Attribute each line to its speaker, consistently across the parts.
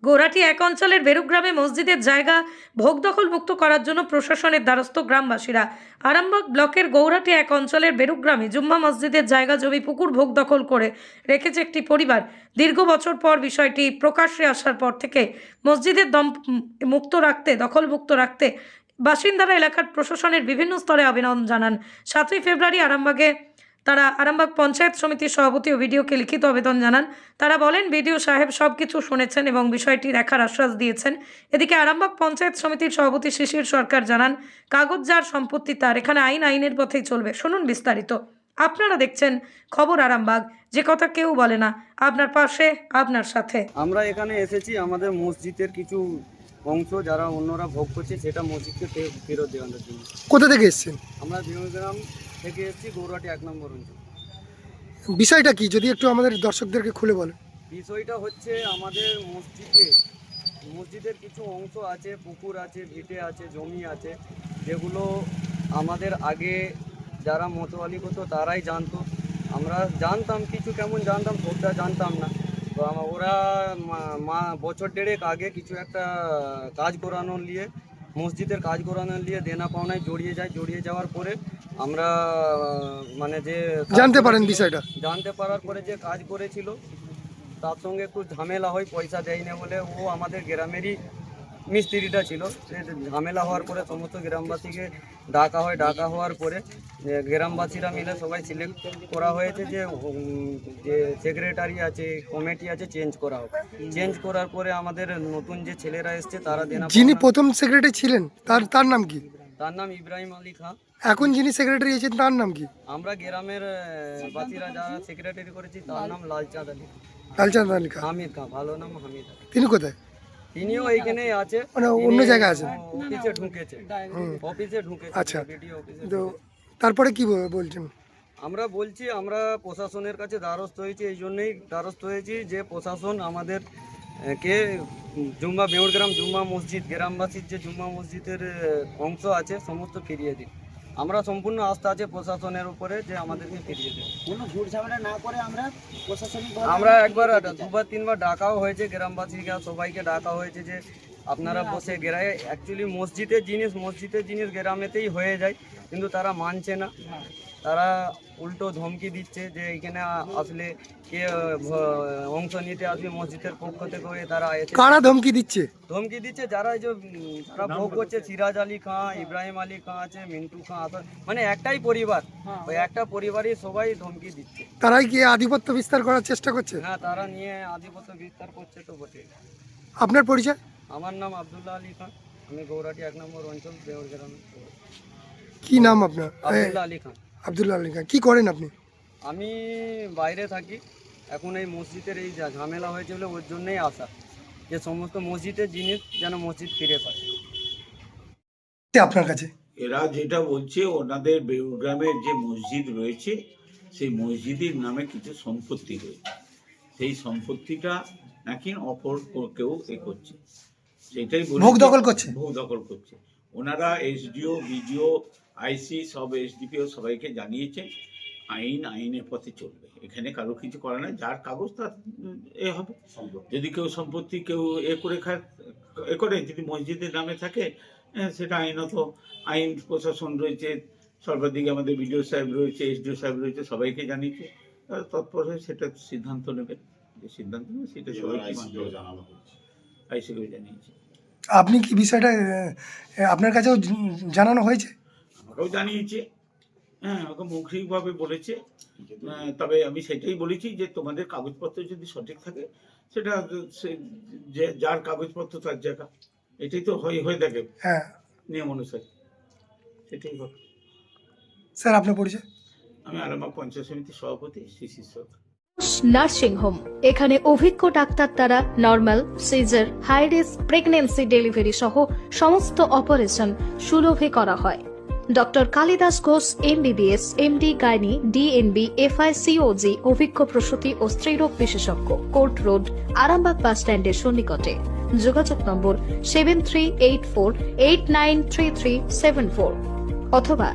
Speaker 1: গৌরাটি এক অঞ্চলের বেরুগ্রামে মসজিদের জায়গা ভোগ দখল মুক্ত করার জন্য প্রশাসনের দ্বারস্থ গ্রামবাসীরা। আরামবাগ ব্লকের গৌরাটি এক অঞ্চলের বেরুগ্রামে জুম্মা মসজিদের জায়গা জমি পুকুর ভোগ দখল করে রেখেছে একটি পরিবার। দীর্ঘ বছর পর বিষয়টি প্রকাশ্যে আসার পর থেকে মসজিদের দখল মুক্ত রাখতে বাসিন্দারা এলাকার প্রশাসনের বিভিন্ন স্তরে আবেদন জানান। 7ই ফেব্রুয়ারি তারা আরামবাগ পঞ্চায়েত সমিতির সভাপতি ও ভিডিওকে লিখিত আবেদন জানান। তারা বলেন, বিডিও সাহেব সব কিছু শুনেছেন এবং বিষয়টি দেখার আশ্বাস দিয়েছেন। এদিকে আরামবাগ পঞ্চায়েত সমিতির সভাপতি শিশির সরকার জানান, কাগজ যার সম্পত্তি তার, এখানে আইনের পথেই চলবে। শুনুন বিস্তারিত। আপনারা দেখছেন খবর আরামবাগ, যে কথা কেউ বলে না, আপনার পাশে, আপনার সাথে।
Speaker 2: আমরা এখানে এসেছি আমাদের মসজিদের কিছু অংশ যারা অন্যরা ভোগ করছে সেটা মসজিদকে ফেরত দেওয়ানোর জন্য।
Speaker 3: কোথা থেকে এসেছেন?
Speaker 2: আমরা বিমগ্রাম থেকে এসেছি, গৌরাটি 1 নম্বর অঞ্চল।
Speaker 3: বিষয়টা কি যদি একটু আমাদের দর্শকদেরকে খুলে বলেন।
Speaker 2: বিষয়টা হচ্ছে আমাদের মসজিদের কিছু অংশ আছে, পুকুর আছে, ভিটে আছে, জমি আছে, যেগুলো আমাদের আগে যারা মতোয়ালি করতো তারাই জানতো। আমরা জানতাম কিছু, কেমন জানতাম, সবটা জানতাম না। তো ওরা বছর দেড়েক আগে কিছু একটা কাজ করানোর নিয়ে, মসজিদের কাজ করানোর নিয়ে দেনা পাওনায় জড়িয়ে যাওয়ার পরে আমরা মানে যে
Speaker 3: জানতে পারেন বিষয়টা,
Speaker 2: জানতে পারার পরে যে কাজ করেছিল তার সঙ্গে একটু ঝামেলা হয়, পয়সা দেয় না বলে। ও আমাদের গ্রামেরই মিস্ত্রিটা ছিল। সে ঝামেলা হওয়ার পরে সমস্ত গ্রামবাসীকে ডাকা হওয়ার পরে গ্রামবাসীরা মিলে সবাই সিলেক্ট করা হয়েছে যে সেক্রেটারি আছে, কমিটি আছে, চেঞ্জ করা হবে। চেঞ্জ করার পরে আমাদের নতুন যে ছেলেরা এসছে তারা
Speaker 3: যিনি প্রথম সেক্রেটারি ছিলেন তার নাম কি?
Speaker 2: তার নাম ইব্রাহিম আলী খান।
Speaker 3: এখন যিনি সেক্রেটারি আছেন তার নাম কি?
Speaker 2: আমরা গ্রামের বাসীরা যারা সেক্রেটারি করেছি তার নাম লালচাঁদ আলী খান। হামিদ খান, ভালো নাম হামিদ আলী।
Speaker 3: তিনি কোথায়?
Speaker 2: তিনিও এইখানেই আছে,
Speaker 3: মানে অন্য জায়গায় আছেন।
Speaker 2: অফিসে ঢুকেছে।
Speaker 3: আচ্ছা, তো তারপরে কি বলছেন?
Speaker 2: আমরা বলছি, আমরা প্রশাসনের কাছে দ্বারস্থ হয়েছি। এই জন্যই দ্বারস্থ হয়েছি যে প্রশাসন আমাদের কে বেউরগ্রাম জুম্মা মসজিদ, গ্রামবাসীর যে জুম্মা মসজিদের অংশ আছে সমস্ত ফিরিয়ে দিন। আমরা সম্পূর্ণ আস্থা আছে প্রশাসনের উপরে যে আমাদেরকে ফিরিয়ে দেবে।
Speaker 4: কোনো ঝুট ঝামেলা না করে
Speaker 2: আমরা একবার 2-3বার ডাকাও হয়েছে, গ্রামবাসীকে সবাইকে ডাকা হয়েছে যে আপনারা বসে অ্যাকচুয়ালি মসজিদের জিনিস গ্রামেতেই হয়ে যায়, কিন্তু তারা মানছে না। তারা উল্টো ধমকি দিচ্ছে যে এখানে আসলে কে অংশ নিতে আসবে মসজিদের পক্ষ থেকে হয়ে তারা
Speaker 3: কারা ধমকি দিচ্ছে?
Speaker 2: যারা যারা ভোগ করছে, সিরাজ আলী খান, ইব্রাহিম আলী খান আছে, মিন্টু খান, মানে একটাই পরিবার, ওই একটা পরিবারই সবাই ধমকি দিচ্ছে।
Speaker 3: তারাই কি আধিপত্য বিস্তার করার চেষ্টা করছে?
Speaker 2: হ্যাঁ, তারা নিয়ে আধিপত্য বিস্তার করছে তো বটে।
Speaker 3: আপনার পরিচয়?
Speaker 2: আমার নাম আব্দুল্লাহ আলী খান, আমি গৌরাটি 1 নম্বর অঞ্চল বেউরগ্রাম।
Speaker 3: কি নাম আপনার?
Speaker 2: আব্দুল্লাহ আলী খান।
Speaker 3: আব্দুল্লাহ আলী খান। কি করেন আপনি?
Speaker 2: আমি বাইরে থাকি। এখন এই মসজিদের এই ঝামেলা হয়েছে বলে ওর জন্যই আসা, যে সমস্ত মসজিদের জিনিস যেন মসজিদ ফিরে পায়।
Speaker 3: আপনার কাছে
Speaker 5: এরা যেটা বলছে, ওনাদের বেউগ্রামের যে মসজিদ রয়েছে সেই মসজিদের নামে কিছু সম্পত্তি রয়েছে, সেই সম্পত্তিটা নাকি অপর কেউ করছে, সেটাই
Speaker 3: ভোগ দখল করছে।
Speaker 5: ওনারা এসডিও, বিডিও, আইসি, সব এসডিপিও সবাইকে জানিয়েছে। আইনের পথে চলবে, এখানে কারো কিছু করে না। যার কাগজ তার হবে। যদি কেউ সম্পত্তি করে যদি মসজিদের নামে থাকে, সেটা আইনত আইন প্রশাসন রয়েছে, সর্বাধিক আমাদের বিডিও সাহেব রয়েছে, এসডিও সাহেব রয়েছে, সবাইকে জানিয়েছে। তৎপর হয়ে সেটা সিদ্ধান্ত নেবে, সেটা সবাইকে আইসিকেও জানিয়েছে।
Speaker 3: আপনি কি বিষয়টা আপনার কাছেও জানানো হয়েছে?
Speaker 5: আমাকেও জানিয়েছে, হ্যাঁ, আমাকে মৌখিকভাবে বলেছে। তবে আমি সেটাই বলেছি যে তোমাদের কাগজপত্র যদি সঠিক থাকে, সেটা যার কাগজপত্র তার জায়গা, এটাই তো হয়ে থাকে।
Speaker 3: হ্যাঁ,
Speaker 5: নিয়ম অনুসারে সেটাই হবে।
Speaker 3: স্যার আপনার পরিচয়?
Speaker 5: আমি আরামবাগ পঞ্চায়েত সমিতির সভাপতি শিশির সরকার।
Speaker 6: নার্সিং হোম, এখানে অভিজ্ঞ ডাক্তার দ্বারা normal, caesar, high risk pregnancy, delivery সহ সমস্ত অপারেশন সুলভে করা হয়। Doctor Kalidas Ghosh MBBS, MD gynae, DNB, FICOG, অভিজ্ঞ প্রসূতি ও স্ত্রীরোগ বিশেষজ্ঞ, কোর্ট রোড, আরামবাগ বাস স্ট্যান্ডের সন্নিকটে। যোগাযোগ নম্বর 7384893374 অথবা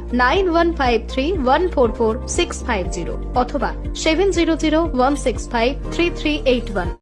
Speaker 6: 9153144650 অথবা 7001653381।